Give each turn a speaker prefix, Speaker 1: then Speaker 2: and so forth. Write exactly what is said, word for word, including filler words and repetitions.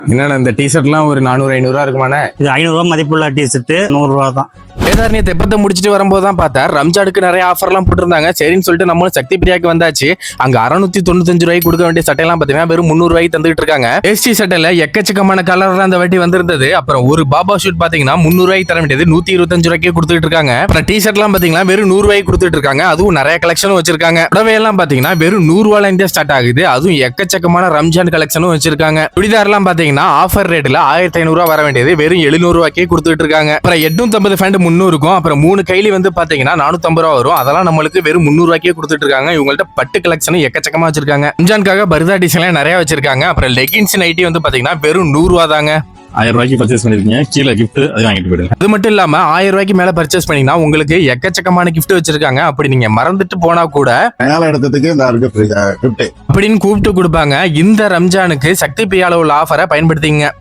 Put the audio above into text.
Speaker 1: என்னன்னா இந்த டிஷர்ட்லாம் ஒரு நானூறு ஐநூறுரூவா இருக்குமாண்ணே?
Speaker 2: இது ஐநூறுரூவா மதிப்புள்ள டிஷர்ட்டு நூறுரூவா தான்.
Speaker 1: வேதாரண்ய தெப்பத்தை முடிச்சுட்டு வரும்போது தான் பார்த்தா ரம்ஜானுக்கு நிறைய ஆஃபர்லாம் போட்டிருந்தாங்க. சரின்னு சொல்லிட்டு நம்மளும் சக்தி பிரியாக்கு வந்தாச்சு. அங்க அறுநூத்தி தொண்ணூத்தஞ்சு ரூபாய்க்கு கொடுக்க வேண்டிய சட்டையெல்லாம் பார்த்தீங்கன்னா வெறும் முந்நூறு ரூபாய்க்கு தந்துட்டு இருக்காங்க. எஸ்டி சட்டையில எக்கச்சக்கமான கலர்லாம் அந்த வாட்டி வந்திருந்தது. அப்புறம் ஒரு பாபா ஷூட் பாத்தீங்கன்னா முந்நூறு ரூபாய்க்கு தர வேண்டியது நூத்தி இருபத்தஞ்சு ரூபாய்க்கு கொடுத்துட்டு இருக்காங்க. அப்புறம் டி ஷர்ட்லாம் பாத்தீங்கன்னா வெறும் நூறு ரூபாய்க்கு கொடுத்துட்டு இருக்காங்க. அதுவும் நிறைய கலெக்ஷனும் வச்சிருக்காங்க. புடவை எல்லாம் பாத்தீங்கன்னா வெறும் நூறு ரூபாயில இருந்தே ஸ்டார்ட் ஆகுது. அதுவும் எக்கச்சக்கமான ரம்ஜான் கலெக்ஷனும் வச்சிருக்காங்க. சுடிதார் எல்லாம் பாத்தீங்கன்னா ஆஃபர் ரேட்ல ஆயிரத்தி ஐநூறு ரூபாய் வர வேண்டியது வெறும் எழுநூறு ரூபாய்க்கே கொடுத்துட்டு இருக்காங்க. அப்புறம் எட்நூத்தி ஐம்பது ஃபேண்ட் முன்னூறுக்கும் அப்புறம் மூணு கைலி வந்து பாத்தீங்கன்னா நானூத்தி ஐம்பது ரூபா வரும். அதெல்லாம் நம்மளுக்கு வெறும் முன்னூறு ரூபாய்க்கே கொடுத்துட்டு இருக்காங்க. இவங்கள்ட்ட பட்டு கலெக்ஷன் எக்கச்சக்கமா வச்சிருக்காங்க. ரம்ஜானுக்காக பர்தா டிசைன் நிறைய வச்சிருக்காங்க. அப்புறம் லெகின்ஸ் நைட்டி வந்து பாத்தீங்கன்னா வெறும் நூறு ரூபா தாங்க.
Speaker 3: ஆயிரம் ரூபாய்க்கு பர்ச்சேஸ் பண்ணிருக்கீங்க, கீழே கிஃப்ட் அது வாங்கிட்டு போயிடுங்க.
Speaker 1: அது மட்டும் இல்லாம ஆயிரம் ரூபாய்க்கு மேல பர்ச்சேஸ் பண்ணீங்கன்னா உங்களுக்கு எக்கச்சக்கமான கிஃப்ட் வச்சிருக்காங்க. அப்படி நீங்க மறந்துட்டு போனா கூட
Speaker 4: மேல இடத்துக்கு இந்த கிஃப்ட்
Speaker 1: அப்படின்னு கூப்பிட்டு கொடுப்பாங்க. இந்த ரம்ஜானுக்கு சக்தி பிரியால உள்ள ஆஃபரை பயன்படுத்திங்க.